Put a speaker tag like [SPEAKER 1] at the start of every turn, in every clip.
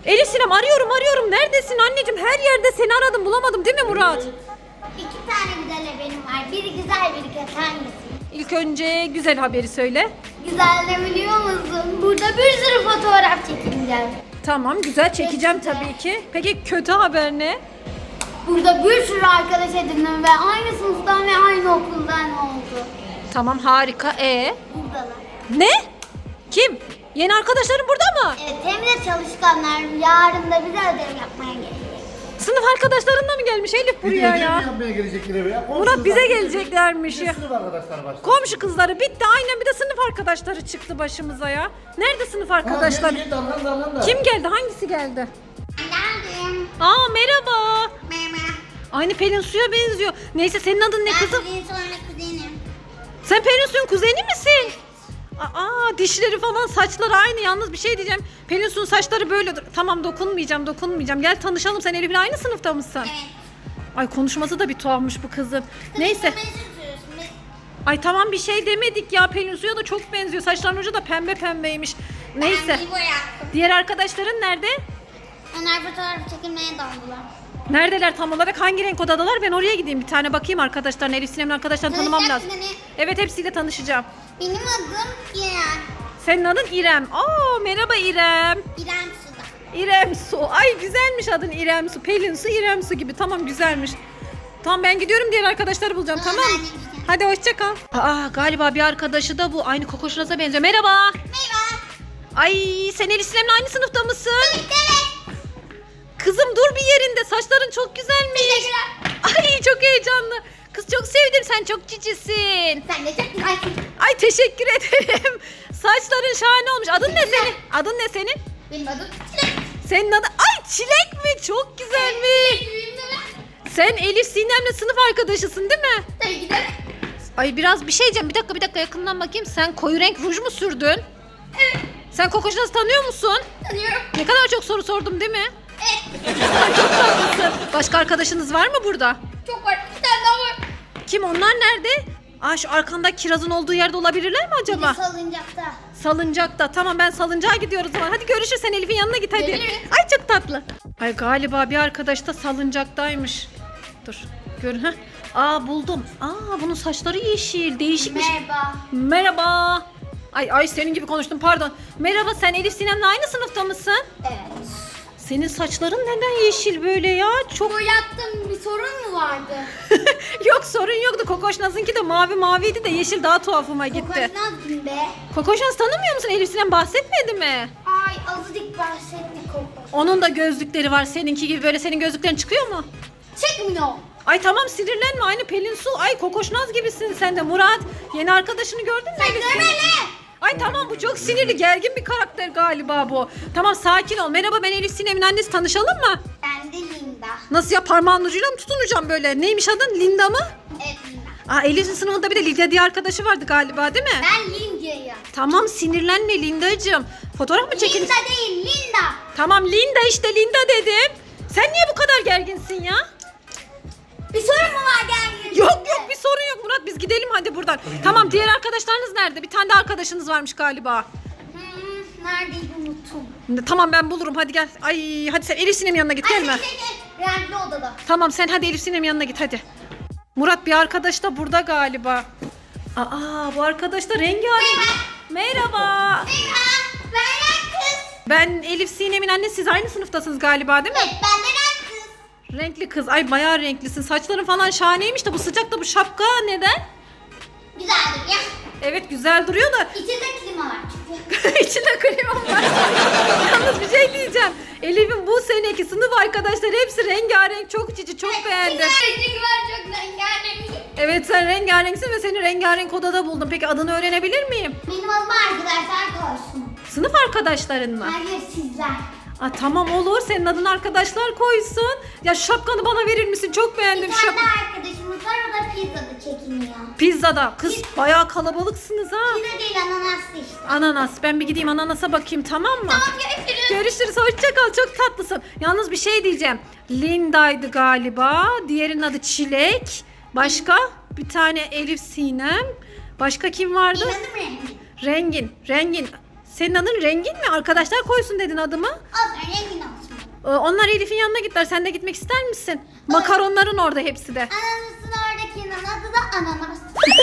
[SPEAKER 1] Elif Sinem arıyorum. Neredesin anneciğim? Her yerde seni aradım bulamadım değil mi Murat?
[SPEAKER 2] İki tane güzel haberim var. Biri güzel, biri kötü. Hangisi?
[SPEAKER 1] İlk önce güzel haberi söyle.
[SPEAKER 2] Güzel de biliyor musun? Burada bir sürü fotoğraf çekileceğim.
[SPEAKER 1] Tamam güzel çekeceğim tabii ki. Peki kötü haber ne?
[SPEAKER 2] Burada bir sürü arkadaş edindim ve aynı sınıftan ve aynı okuldan oldu.
[SPEAKER 1] Tamam harika.
[SPEAKER 2] Buradalar.
[SPEAKER 1] Ne? Kim? Yeni arkadaşların burada mı?
[SPEAKER 2] Evet, hem de çalışkanlar. Yarın da bize ödev yapmaya gelecek.
[SPEAKER 1] Sınıf arkadaşlarınla mı gelmiş Elif buraya ya?
[SPEAKER 3] yapmaya gelecekler eve ya.
[SPEAKER 1] Murat bize geleceklermiş ya.
[SPEAKER 3] Sınıf arkadaşlar başladı.
[SPEAKER 1] Komşu kızları bitti aynen bir de sınıf arkadaşları çıktı başımıza ya. Nerede sınıf arkadaşlar?
[SPEAKER 3] Dalgan da.
[SPEAKER 1] Kim geldi? Hangisi geldi?
[SPEAKER 2] Geldim.
[SPEAKER 1] Aa merhaba.
[SPEAKER 2] Merhaba.
[SPEAKER 1] Aynı Pelin Su'ya benziyor. Neyse senin adın ne kızım?
[SPEAKER 2] Ben sonra kuzenim.
[SPEAKER 1] Sen Pelin Su'nun kuzeni misin? Aa dişleri falan saçları aynı. Yalnız bir şey diyeceğim. Pelin Su'nun saçları böyle. Tamam dokunmayacağım. Gel tanışalım. Sen Elif'le aynı sınıfta mısın?
[SPEAKER 2] Evet.
[SPEAKER 1] Ay konuşması da bir tuhafmış bu kızın. Neyse. Ay tamam bir şey demedik ya. Pelin Su'ya da çok benziyor. Saçların ucu da pembe pembeymiş. Neyse.
[SPEAKER 2] Ben İbo yaptım.
[SPEAKER 1] Diğer arkadaşların nerede?
[SPEAKER 2] Onlar fotoğraf çekilmeye daldılar.
[SPEAKER 1] Neredeler tam olarak? Hangi renk odadalar? Ben oraya gideyim. Bir tane bakayım arkadaşlarına. Elif Sinem'in arkadaşlarını tanımam lazım. Evet hepsiyle tanışacağım.
[SPEAKER 2] Benim adım İrem.
[SPEAKER 1] Senin adın İrem. Aa merhaba İrem.
[SPEAKER 2] İrem Suda.
[SPEAKER 1] İrem Su. Ay güzelmiş adın İrem Su. Pelin Su, İrem Su gibi. Tamam güzelmiş. Tamam ben gidiyorum diğer arkadaşları bulacağım tamam mı?
[SPEAKER 2] ben de gideceğim.
[SPEAKER 1] Hadi hoşça kal. Aa galiba bir arkadaşı da bu. Aynı Kokoşnaz'a benziyor. Merhaba.
[SPEAKER 2] Merhaba.
[SPEAKER 1] Ay sen Elif Sinem'le aynı sınıfta mısın?
[SPEAKER 2] Evet.
[SPEAKER 1] Kızım dur bir yerinde. Saçların çok güzelmiş.
[SPEAKER 2] Teşekkürler.
[SPEAKER 1] Ay çok heyecanlı. Kız çok sevdim. Sen çok cicisin.
[SPEAKER 2] Sen de çok güzelsin.
[SPEAKER 1] Ay teşekkür ederim. Saçların şahane olmuş. Adın ne senin? Adın ne senin?
[SPEAKER 2] Benim adım Çilek.
[SPEAKER 1] Senin adın... Ay Çilek mi? Çok güzelmiş.
[SPEAKER 2] Büyüğüm de ben.
[SPEAKER 1] Sen Elif Sinem'le sınıf arkadaşısın değil mi?
[SPEAKER 2] Tabii ki de.
[SPEAKER 1] Ay biraz bir şey diyeceğim. Bir dakika yakından bakayım. Sen koyu renk ruj mu sürdün?
[SPEAKER 2] Evet.
[SPEAKER 1] Sen Kokoşnaz'ı tanıyor musun?
[SPEAKER 2] Tanıyorum.
[SPEAKER 1] Ne kadar çok soru sordum değil mi?
[SPEAKER 2] Evet.
[SPEAKER 1] Ay, çok tatlısın. Başka arkadaşınız var mı burada?
[SPEAKER 2] Çok var. Bir tane daha var.
[SPEAKER 1] Kim onlar nerede? Aa şu arkanda kirazın olduğu yerde olabilirler mi acaba?
[SPEAKER 2] Bir salıncakta.
[SPEAKER 1] Salıncakta. Tamam ben salıncağa gidiyoruz o zaman. Hadi görüşürüz sen Elif'in yanına git hadi.
[SPEAKER 2] Geliriz.
[SPEAKER 1] Ay çok tatlı. Ay galiba bir arkadaş da salıncaktaymış. Dur. Gör ha. Aa buldum. Aa bunun saçları yeşil. Değişikmiş.
[SPEAKER 2] Merhaba.
[SPEAKER 1] Merhaba. Ay senin gibi konuştum pardon. Merhaba sen Elif Sinem'le aynı sınıfta mısın?
[SPEAKER 2] Evet.
[SPEAKER 1] Senin saçların neden yeşil böyle ya? Çok
[SPEAKER 2] Boyattım, bir sorun mu vardı?
[SPEAKER 1] yok sorun yoktu. Kokoşnaz'ınki de maviydi de yeşil daha tuhafıma gitti.
[SPEAKER 2] Kokoşnaz kim be?
[SPEAKER 1] Kokoşnaz tanımıyor musun? Elif Sinem bahsetmedi mi?
[SPEAKER 2] Ay azıcık bahsettik kokoş.
[SPEAKER 1] Onun da gözlükleri var seninki gibi böyle senin gözlüklerin çıkıyor mu?
[SPEAKER 2] Çıkmıyor.
[SPEAKER 1] Ay tamam sinirlenme aynı Pelin Su. Ay Kokoşnaz gibisin sen de Murat. Yeni arkadaşını gördün mü?
[SPEAKER 2] Sen
[SPEAKER 1] Elif Sinem?
[SPEAKER 2] görmeli.
[SPEAKER 1] Ay tamam bu çok sinirli gergin bir karakter galiba bu. Tamam sakin ol. Merhaba ben Elif Sinem'in annesi tanışalım mı?
[SPEAKER 2] Ben de Linda.
[SPEAKER 1] Nasıl ya parmağın ucuyla mı tutunacağım böyle? Neymiş adın? Linda mı?
[SPEAKER 2] Evet Linda.
[SPEAKER 1] Aa Elif'in sınıfında bir de Lidya diye arkadaşı vardı galiba değil mi?
[SPEAKER 2] Ben Linda'yım.
[SPEAKER 1] Tamam sinirlenme Linda'cığım. Fotoğraf mı çekin?
[SPEAKER 2] Linda değil Linda.
[SPEAKER 1] Tamam Linda işte Linda dedim. Sen niye bu kadar gerginsin ya?
[SPEAKER 2] Bir sorun mu var geldi?
[SPEAKER 1] Yok bir sorun yok Murat biz gidelim hadi buradan. Tamam diğer arkadaşlarınız nerede? Bir tane de arkadaşınız varmış galiba.
[SPEAKER 2] Neredeydi unuttum.
[SPEAKER 1] Tamam ben bulurum hadi gel. Ay hadi sen Elif Sinem'in yanına git gelme.
[SPEAKER 2] Gel. Renkli odada.
[SPEAKER 1] Tamam sen hadi Elif Sinem'in yanına git hadi. Murat bir arkadaş da burada galiba. Aa bu arkadaş da rengarenk. Merhaba.
[SPEAKER 2] Merhaba. Ben kız.
[SPEAKER 1] Ben Elif Sinem'in annesi siz aynı sınıftasınız galiba değil mi?
[SPEAKER 2] Evet ben de kız.
[SPEAKER 1] Renkli kız. Ay bayağı renklisin. Saçların falan şahaneymiş de bu sıcakta bu şapka neden?
[SPEAKER 2] Güzeldir ya.
[SPEAKER 1] Evet güzel duruyor da
[SPEAKER 2] İçinde klima var çünkü.
[SPEAKER 1] içinde kremam var. Yalnız bir şey diyeceğim. Elif'in bu seneki sınıf arkadaşları hepsi rengarenk. Çok cici çok beğendim.
[SPEAKER 2] Çünkü ben çok rengarenk.
[SPEAKER 1] Evet sen rengarenksin ve seni rengarenk odada buldum. Peki adını öğrenebilir miyim?
[SPEAKER 2] Benim adıma arkadaşlar koysun.
[SPEAKER 1] Sınıf arkadaşların mı?
[SPEAKER 2] Hayır sizler.
[SPEAKER 1] Aa, tamam olur senin adın arkadaşlar koysun. Ya şu şapkanı bana verir misin? Çok beğendim
[SPEAKER 2] Bir
[SPEAKER 1] şu
[SPEAKER 2] tane
[SPEAKER 1] şapkanı.
[SPEAKER 2] arkadaşımız var o da pizzada çekiniyor.
[SPEAKER 1] Pizzada. Kız bayağı kalabalıksınız ha.
[SPEAKER 2] Pizza değil ananaslı işte.
[SPEAKER 1] Ananas. Ben bir gideyim ananasa bakayım tamam mı?
[SPEAKER 2] Tamam görüşürüz.
[SPEAKER 1] Görüşürüz. Hoşça kal. Çok tatlısın. Yalnız bir şey diyeceğim. Linda'ydı galiba. Diğerinin adı Çilek. Başka? Bir tane Elif Sinem. Başka kim vardı?
[SPEAKER 2] Benim adım Rengi.
[SPEAKER 1] Rengin. Senin adın Rengin mi? Arkadaşlar koysun dedin adımı.
[SPEAKER 2] Olsun rengin olsun.
[SPEAKER 1] Onlar Elif'in yanına gittiler. Sen de gitmek ister misin? Makaronların orada hepsi de.
[SPEAKER 2] Ananasın oradakinin adı da ananas.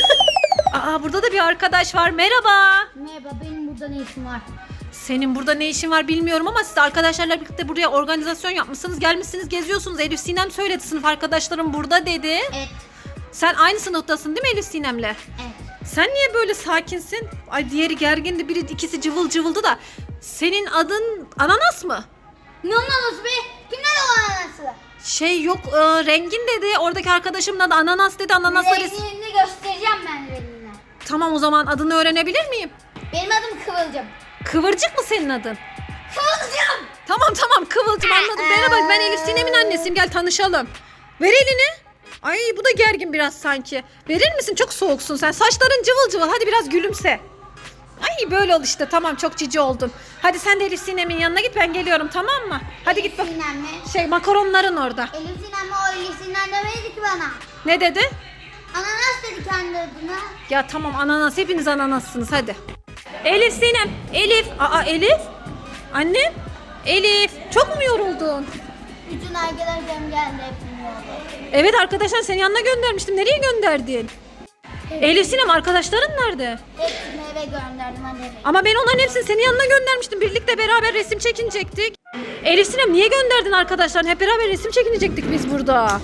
[SPEAKER 1] Aa, burada da bir arkadaş var. Merhaba.
[SPEAKER 2] Merhaba, benim burada ne işim var?
[SPEAKER 1] Senin burada ne işin var bilmiyorum ama siz arkadaşlarla birlikte buraya organizasyon yapmışsınız. Gelmişsiniz, geziyorsunuz. Elif Sinem söyledi, sınıf arkadaşlarım burada dedi.
[SPEAKER 2] Evet.
[SPEAKER 1] Sen aynı sınıftasın değil mi Elif Sinem'le?
[SPEAKER 2] Evet.
[SPEAKER 1] Sen niye böyle sakinsin? Ay, diğeri gergindi, biri ikisi cıvıl cıvıldı da. Senin adın Ananas mı?
[SPEAKER 2] Ne ananası be? Kimler o ananası?
[SPEAKER 1] Şey yok, Rengin dedi. Oradaki arkadaşımın adı Ananas dedi. Ananaslar
[SPEAKER 2] Rengini göstereceğim ben rengine.
[SPEAKER 1] Tamam, o zaman adını öğrenebilir miyim?
[SPEAKER 2] Benim adım Kıvılcım.
[SPEAKER 1] Kıvırcık mı senin adın?
[SPEAKER 2] Kıvılcım!
[SPEAKER 1] Tamam Kıvılcım, anladım. Merhaba, ben Elif Sinem'in annesiyim. Gel tanışalım. Ver elini. Ay, bu da gergin biraz sanki. Verir misin? Çok soğuksun sen. Saçların cıvıl cıvıl. Hadi biraz gülümse. Ay, böyle ol işte. Tamam, çok cici oldun. Hadi sen de Elif Sinem'in yanına git, ben geliyorum, tamam mı? Hadi git bak.
[SPEAKER 2] Sinem mi?
[SPEAKER 1] Şey, makaronların orada.
[SPEAKER 2] Elif Sinem mi? O Elif Sinem demedi ki bana.
[SPEAKER 1] Ne dedi?
[SPEAKER 2] Ananas dedi kendi adına.
[SPEAKER 1] Ya tamam, ananas, hepiniz ananassınız, hadi. Elif Sinem. Elif. Aa, Elif. Annem. Elif. Çok mu yoruldun?
[SPEAKER 2] Bütün arkadaşlarım geldi hepsini oldu.
[SPEAKER 1] Evet, arkadaşlar senin yanına göndermiştim. Nereye gönderdin? Elif Sinem, arkadaşların nerede?
[SPEAKER 2] Hepsini eve gönderdim hadi.
[SPEAKER 1] Ama ben onların hepsini senin yanına göndermiştim. Birlikte beraber resim çekinecektik. Elif Sinem, niye gönderdin arkadaşlarını? Hep beraber resim çekinecektik biz burada.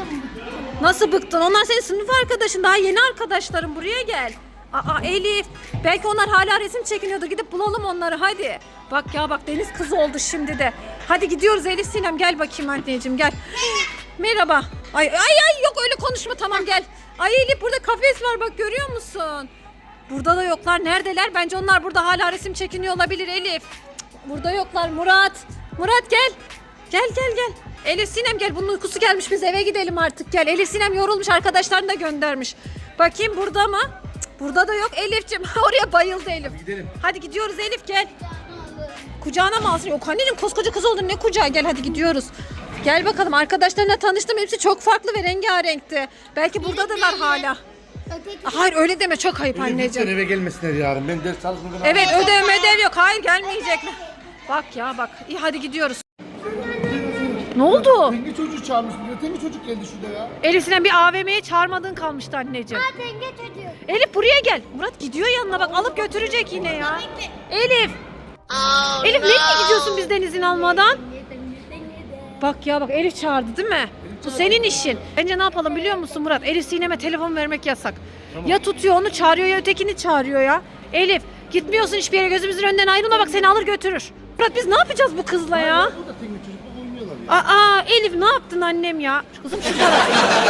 [SPEAKER 1] Nasıl bıktın? Onlar senin sınıf arkadaşın. Daha yeni arkadaşlarım. Buraya gel. Aa, Elif. Belki onlar hala resim çekiniyordu. Gidip bulalım onları, hadi. Bak ya, bak deniz kızı oldu şimdi de. Hadi gidiyoruz Elif Sinem. Gel bakayım anneciğim, gel. Merhaba. Ay yok, öyle konuşma, tamam gel. Ay Elif, burada kafes var, bak görüyor musun? Burada da yoklar. Neredeler? Bence onlar burada hala resim çekiniyor olabilir Elif. Cık, burada yoklar. Murat gel. Gel. Elif Sinem gel. Bunun uykusu gelmiş. Biz eve gidelim artık, gel. Elif Sinem yorulmuş. Arkadaşlarını da göndermiş. Bakayım burada mı? Cık, burada da yok Elif'ciğim. Oraya bayıldı Elif.
[SPEAKER 3] Hadi gidelim.
[SPEAKER 1] Hadi gidiyoruz Elif, gel. Kucağına mı alsın? Yok anneciğim, koskoca kız oldun, ne kucağı, gel hadi gidiyoruz. Gel bakalım, arkadaşlarına tanıştım. Hepsi çok farklı ve rengarenkti. Belki buradadırlar hala.
[SPEAKER 2] Öteki
[SPEAKER 1] Hayır, öyle deme, çok ayıp
[SPEAKER 3] Lütfen
[SPEAKER 1] anneciğim.
[SPEAKER 3] eve gelmesinler yarın. Ben ders çalışmadan.
[SPEAKER 1] Evet, ödev yok. Hayır, gelmeyecekler. Bak ya bak. İyi, hadi gidiyoruz. Ne oldu?
[SPEAKER 3] Tengi çocuğu çağırmış buraya. Tengi çocuk geldi şurada ya.
[SPEAKER 1] Elif Sinem, bir AVM'ye çağırmadığın kalmıştı anneciğim.
[SPEAKER 2] denge çocuğu.
[SPEAKER 1] Elif buraya gel. Murat gidiyor yanına, bak alıp götürecek yine ya. Elif. Elif, nereye gidiyorsun bizden izin almadan? Bak ya bak, Elif çağırdı değil mi? Bu senin işin. Bence ne yapalım biliyor musun Murat? Elif Sinem'e telefon vermek yasak.
[SPEAKER 3] Tamam.
[SPEAKER 1] Ya tutuyor onu çağırıyor ya ötekini çağırıyor ya. Elif, gitmiyorsun hiçbir yere, gözümüzün önünden ayrılma, bak seni alır götürür. Murat, biz ne yapacağız bu kızla ya?
[SPEAKER 3] Burada tengi çocukla oynuyorlar ya.
[SPEAKER 1] Aa, Elif ne yaptın annem ya? Kızım şu tarafa.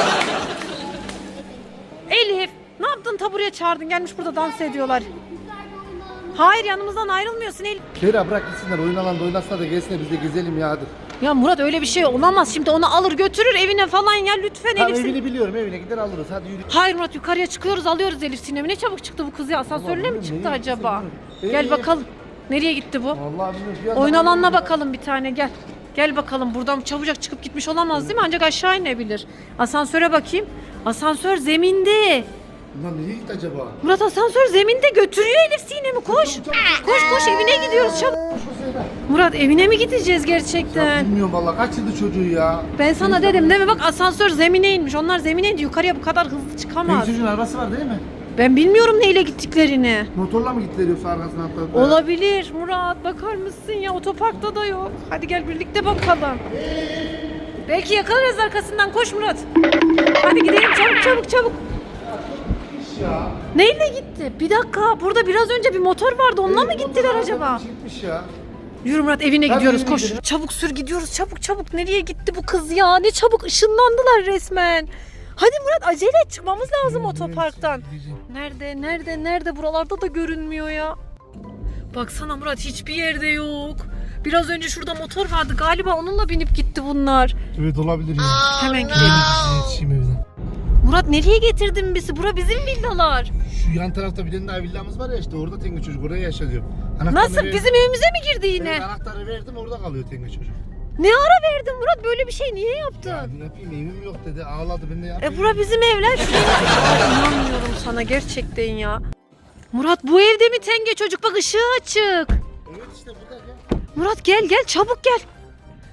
[SPEAKER 1] Elif, ne yaptın, ta buraya çağırdın, gelmiş burada dans ediyorlar. Hayır, yanımızdan ayrılmıyorsun Elif.
[SPEAKER 3] Kera bırak gitsinler. Oyun alanda oynasınlar da gelsinler, biz de gezelim ya hadi.
[SPEAKER 1] Ya Murat, öyle bir şey olamaz. Şimdi onu alır götürür evine falan ya, lütfen
[SPEAKER 3] Tamam,
[SPEAKER 1] Elif Sinem.
[SPEAKER 3] evini biliyorum, evine gider alırız, hadi yürü.
[SPEAKER 1] Hayır Murat, yukarıya çıkıyoruz, alıyoruz Elif Sinem'i. Ne çabuk çıktı bu kız ya, asansörle mi
[SPEAKER 3] bilmiyorum,
[SPEAKER 1] çıktı
[SPEAKER 3] nereye
[SPEAKER 1] acaba?
[SPEAKER 3] gitti,
[SPEAKER 1] Gel bakalım. Nereye gitti bu?
[SPEAKER 3] Vallahi bilmiyorum. Bir anda-
[SPEAKER 1] Oyun alanına bakalım bir tane, gel. Gel bakalım, buradan çabucak çıkıp gitmiş olamaz değil mi? Ancak aşağı inebilir. Asansöre bakayım. Asansör zeminde.
[SPEAKER 3] Lan nereye gitti acaba?
[SPEAKER 1] Murat, asansör zeminde, götürüyor Elif Sinem'i, koş. Koş evine gidiyoruz çabuk. Murat, evine mi gideceğiz gerçekten?
[SPEAKER 3] Bilmiyorum vallahi, kaç yıldır çocuğu ya.
[SPEAKER 1] Ben sana dedim değil mi? Bak, asansör zemine inmiş. Onlar zemine indi. Yukarıya bu kadar hızlı çıkamaz.
[SPEAKER 3] Tengi çocuğun arabası var değil mi?
[SPEAKER 1] Ben bilmiyorum neyle gittiklerini.
[SPEAKER 3] Motorla mı gittiler yoksa arkasına atladılar?
[SPEAKER 1] Olabilir Murat, bakar mısın ya, otoparkta da yok. Hadi gel birlikte bakalım. Belki yakalarız arkasından, koş Murat. Hadi gidelim çabuk.
[SPEAKER 3] Ya.
[SPEAKER 1] Neyle gitti? Bir dakika, burada biraz önce bir motor vardı, onunla mı gittiler acaba?
[SPEAKER 3] Gitmiş ya.
[SPEAKER 1] Yürü Murat, evine
[SPEAKER 3] Hadi
[SPEAKER 1] gidiyoruz,
[SPEAKER 3] evine
[SPEAKER 1] koş.
[SPEAKER 3] gidelim.
[SPEAKER 1] Çabuk sür, gidiyoruz çabuk. Nereye gitti bu kız ya? Ne çabuk ışınlandılar resmen. Hadi Murat, acele et, çıkmamız lazım otoparktan. Nerede? Buralarda da görünmüyor ya. Baksana Murat, hiçbir yerde yok. Biraz önce şurada motor vardı, galiba onunla binip gitti bunlar.
[SPEAKER 3] Evet, olabilir ya.
[SPEAKER 1] Hemen gidelim.
[SPEAKER 3] Yetişeyim evden.
[SPEAKER 1] Murat, nereye getirdin bizi? Bura bizim villalar.
[SPEAKER 3] Şu yan tarafta bir tane daha villamız var ya, işte orada Tengi çocuk oraya yaşıyor.
[SPEAKER 1] Nasıl? Bizim evimize mi girdi yine?
[SPEAKER 3] Evet, anahtarı verdim, orada kalıyor Tengi çocuk.
[SPEAKER 1] Ne ara verdin Murat? Böyle bir şey niye
[SPEAKER 3] Ya
[SPEAKER 1] yaptın?
[SPEAKER 3] ne yapayım, evim yok dedi, ağladı, ben de yapayım.
[SPEAKER 1] Bura bizim evler. İnanmıyorum sana gerçekten ya. Murat, bu evde mi Tenge çocuk? Bak, ışığı açık.
[SPEAKER 3] Evet işte burada gel.
[SPEAKER 1] Murat gel çabuk gel.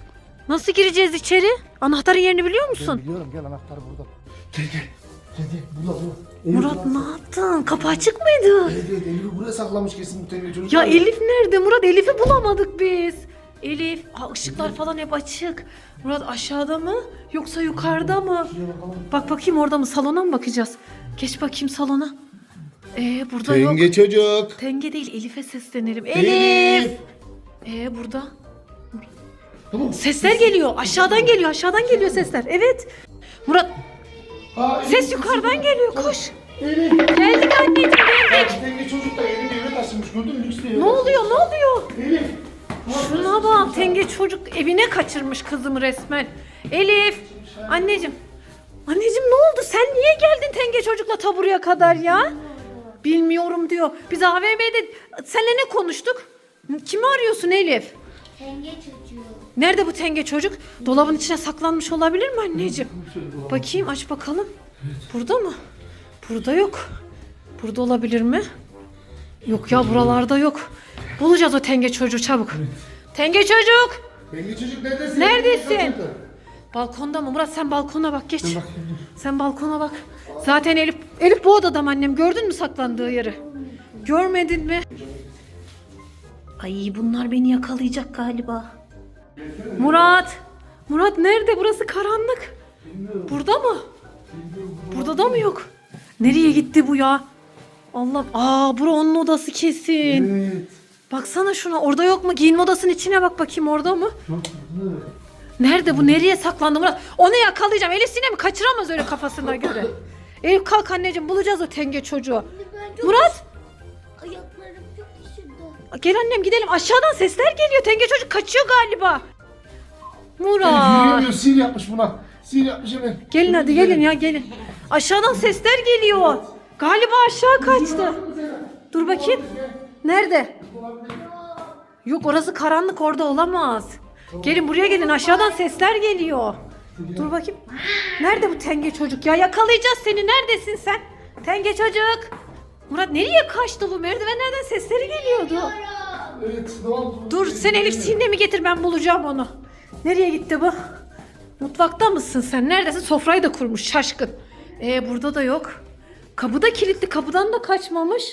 [SPEAKER 1] Nasıl gireceğiz içeri? Anahtarın yerini biliyor musun?
[SPEAKER 3] Biliyorum, gel anahtar burada. Gel. Burada.
[SPEAKER 1] Murat ne yaptın? Kapı açık mıydı?
[SPEAKER 3] Evet, Elif'i buraya saklamış kesin bu tenge çocuk.
[SPEAKER 1] Ya Elif nerede Murat? Elif'i bulamadık biz. Elif, ışıklar falan hep açık. Murat aşağıda mı yoksa yukarıda mı? Bak bakayım orada mı? Salona mı bakacağız? Geç bakayım salona. Burada yok.
[SPEAKER 3] Tenge çocuk.
[SPEAKER 1] Tenge değil, Elif'e seslenelim. Elif. Burada.
[SPEAKER 3] Tamam.
[SPEAKER 1] Sesler geliyor. Aşağıdan geliyor sesler. Evet. Murat, ses yukarıdan geliyor. Koş.
[SPEAKER 3] Elif.
[SPEAKER 1] Geldik anneciğim,
[SPEAKER 3] Ya
[SPEAKER 1] geldik.
[SPEAKER 3] bu tenge çocuk da elini eve taşımış, gördün mü? Lüks bir eve
[SPEAKER 1] Ne oluyor?
[SPEAKER 3] Elif.
[SPEAKER 1] Şuna bak, tenge çocuk evine kaçırmış kızımı resmen. Elif, anneciğim. Anneciğim ne oldu? Sen niye geldin tenge çocukla ta buraya kadar ya? Bilmiyorum diyor. Biz AVM'de seninle ne konuştuk? Kimi arıyorsun Elif?
[SPEAKER 2] Tenge çocuğu.
[SPEAKER 1] Nerede bu tenge çocuk? Dolabın içine saklanmış olabilir mi anneciğim? Bakayım, aç bakalım. Burada mı? Burada yok. Burada olabilir mi? Yok ya, buralarda yok. Bulacağız o tenge çocuğu çabuk. Tenge çocuk!
[SPEAKER 3] Tenge çocuk neredesin?
[SPEAKER 1] Neredesin? Balkonda mı? Murat sen balkona bak, geç. Sen balkona bak. Zaten Elif bu odada mı annem? Gördün mü saklandığı yeri? Görmedin mi? Ay bunlar beni yakalayacak galiba. Murat nerede? Burası karanlık. Burada mı? Burada da mı yok? Nereye gitti bu ya? Allah. Bura onun odası kesin.
[SPEAKER 3] Evet.
[SPEAKER 1] Baksana şuna. Orada yok mu? Giyinme odasının içine bak bakayım, orada mı? Nerede bu? Nereye saklandı Murat? Onu yakalayacağım. Elif Sinem kaçıramaz öyle kafasına göre. Elif kalk anneciğim, bulacağız o tenge çocuğu. Murat!
[SPEAKER 2] Ayaklarım çok üşüdü.
[SPEAKER 1] Gel annem gidelim. Aşağıdan sesler geliyor. Tenge çocuk kaçıyor galiba. Murat!
[SPEAKER 3] Yürüyemiyor, sihir yapmış buna. Sihir yapmış hemen.
[SPEAKER 1] Gelin hadi gelin ya, gelin. Aşağıdan sesler geliyor. Galiba aşağı kaçtı. Dur bakayım. Nerede? Yok, orası karanlık, orada olamaz. Gelin buraya gelin, aşağıdan sesler geliyor. Dur bakayım. Nerede bu tenge çocuk ya? Yakalayacağız seni. Neredesin sen? Tenge çocuk. Murat nereye kaçtı bu? Merdivenlerden sesleri geliyordu.
[SPEAKER 3] Evet, ne oldu?
[SPEAKER 1] Dur sen Elif Sinem'i getir, ben bulacağım onu. Nereye gitti bu? Mutfakta mısın sen? Neredesin? Sofrayı da kurmuş şaşkın. Burada da yok. Kapı da kilitli, kapıdan da kaçmamış.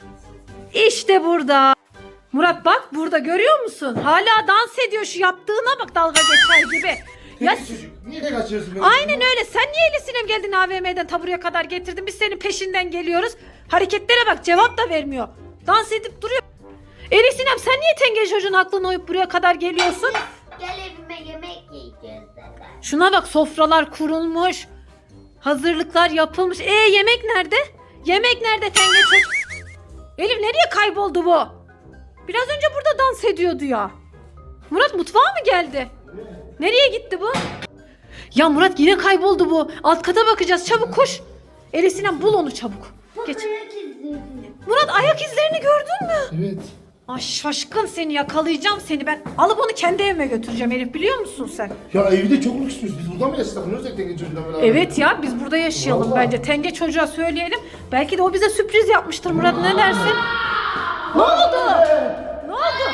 [SPEAKER 1] İşte burada. Murat bak burada, görüyor musun? Hala dans ediyor, şu yaptığına bak, dalga geçer gibi. Ya,
[SPEAKER 3] Tenge çocuk, niye de kaçıyorsun?
[SPEAKER 1] aynen öyle. Sen niye Elif Sinem geldin AVM'den ta buraya kadar getirdin? Biz senin peşinden geliyoruz. Hareketlere bak, cevap da vermiyor. Dans edip duruyor. Elif Sinem sen niye tenge çocuğun aklına uyup buraya kadar geliyorsun?
[SPEAKER 2] Gel evime yemek yiyeceğiz zaten.
[SPEAKER 1] Şuna bak, sofralar kurulmuş. Hazırlıklar yapılmış. Yemek nerede? Yemek nerede tenge çocuk? Elif nereye kayboldu bu? Biraz önce burada dans ediyordu ya. Murat mutfağa mı geldi? Nereye gitti bu? Ya Murat yine kayboldu bu. Alt kata bakacağız, çabuk koş. Elif Sinem bul onu çabuk. Geç.
[SPEAKER 2] Ayak izleri.
[SPEAKER 1] Murat ayak izlerini gördün mü?
[SPEAKER 3] Evet.
[SPEAKER 1] Ay şaşkın, seni yakalayacağım seni ben. Alıp onu kendi evime götüreceğim Elif, biliyor musun sen?
[SPEAKER 3] Ya evde çok lüksüz. Biz burada mı yaşlanıyoruz ya tenge çocuğuyla beraber?
[SPEAKER 1] Evet ya, biz burada yaşayalım
[SPEAKER 3] Vallahi.
[SPEAKER 1] bence. Tenge çocuğa söyleyelim. Belki de o bize sürpriz yapmıştır Murat, ne dersin? Ne oldu? Ne oldu?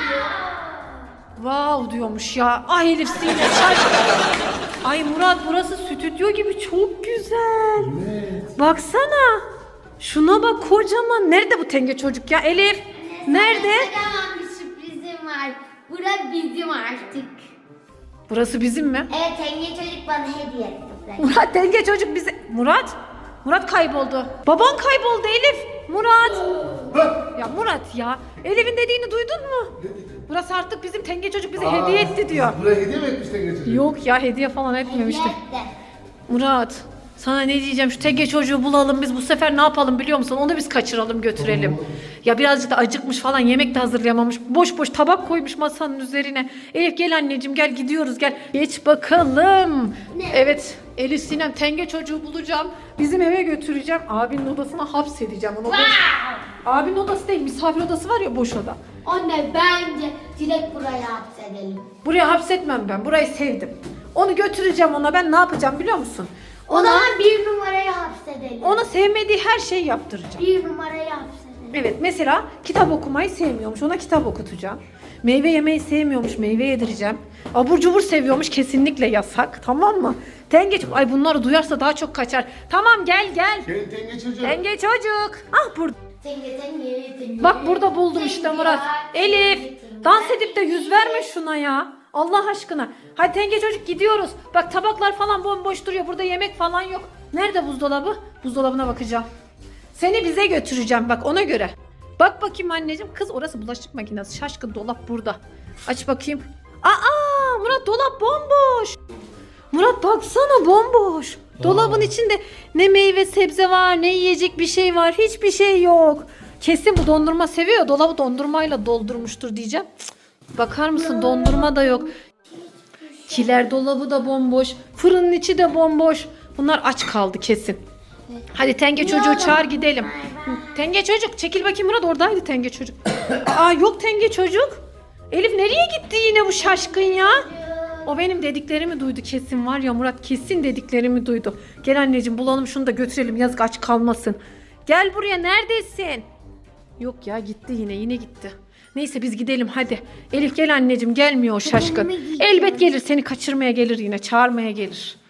[SPEAKER 1] Wow diyormuş ya. Ay Elif Sinem şaşkın. Ay Murat burası stüdyo gibi, çok güzel.
[SPEAKER 3] Evet.
[SPEAKER 1] Baksana. Şuna bak, kocaman. Nerede bu tenge çocuk ya Elif? Nerede?
[SPEAKER 2] Kocaman bir sürprizim var. Bura bizim artık.
[SPEAKER 1] Burası bizim mi?
[SPEAKER 2] Evet, tenge çocuk bana hediye etti burayı.
[SPEAKER 1] Murat tenge çocuk bize... Murat kayboldu. Baban kayboldu Elif. Murat. Ya Murat ya. Elif'in dediğini duydun mu? Burası artık bizim, tenge çocuk bize hediye etti diyor.
[SPEAKER 3] Buraya hediye mi etmiş tenge çocuk?
[SPEAKER 1] Yok ya, hediye falan etmemişti.
[SPEAKER 2] Hediye etti.
[SPEAKER 1] Murat sana ne diyeceğim, şu tenge çocuğu bulalım biz bu sefer, ne yapalım biliyor musun? Onu biz kaçıralım götürelim. Ya birazcık da acıkmış falan, yemek de hazırlayamamış. Boş boş tabak koymuş masanın üzerine. Elif gel anneciğim, gel gidiyoruz gel. Geç bakalım. Evet Elif Sinem, tenge çocuğu bulacağım. Bizim eve götüreceğim. Abinin odasına hapsedeceğim onu. Abinin odası değil, misafir odası var ya, boş oda.
[SPEAKER 2] Anne bence direkt buraya hapsedelim.
[SPEAKER 1] Buraya hapsetmem ben. Burayı sevdim. Onu götüreceğim ona. Ben ne yapacağım biliyor musun?
[SPEAKER 2] O zaman bir numaraya hapsedelim.
[SPEAKER 1] Ona sevmediği her şeyi yaptıracağım.
[SPEAKER 2] Bir numaraya hapsedelim.
[SPEAKER 1] Evet, mesela kitap okumayı sevmiyormuş. Ona kitap okutacağım. Meyve yemeyi sevmiyormuş. Meyve yedireceğim. Abur cubur seviyormuş. Kesinlikle yasak. Tamam mı? Tengeç. Ay bunları duyarsa daha çok kaçar. Tamam gel.
[SPEAKER 3] Gel tenge çocuk.
[SPEAKER 1] Tenge çocuk. Ah burada.
[SPEAKER 2] Tenge.
[SPEAKER 1] Bak burada buldum işte Murat. Elif. Dans edip de yüz verme şuna ya. Allah aşkına. Hadi tenge çocuk gidiyoruz. Bak tabaklar falan bomboş duruyor. Burada yemek falan yok. Nerede buzdolabı? Buzdolabına bakacağım. Seni bize götüreceğim bak ona göre. Bak bakayım anneciğim. Kız orası bulaşık makinesi. Şaşkın dolap burada. Aç bakayım. Aa Murat dolap bomboş. Murat baksana bomboş. Dolabın içinde ne meyve sebze var ne yiyecek bir şey var. Hiçbir şey yok. Kesin bu dondurma seviyor. Dolabı dondurmayla doldurmuştur diyeceğim. Cık, bakar mısın dondurma da yok. Kiler dolabı da bomboş. Fırının içi de bomboş. Bunlar aç kaldı kesin. Hadi tenge çocuğu çağır gidelim. Tenge çocuk çekil bakayım Murat oradaydı tenge çocuk. Aa yok tenge çocuk. Elif nereye gitti yine bu şaşkın ya? O benim dediklerimi duydu kesin var ya Murat kesin dediklerimi duydu. Gel anneciğim bulalım şunu da götürelim yazık aç kalmasın. Gel buraya neredesin? Yok ya gitti yine gitti. Neyse biz gidelim hadi. Elif gel anneciğim gelmiyor o şaşkın. Elbet gelir seni kaçırmaya gelir yine çağırmaya gelir.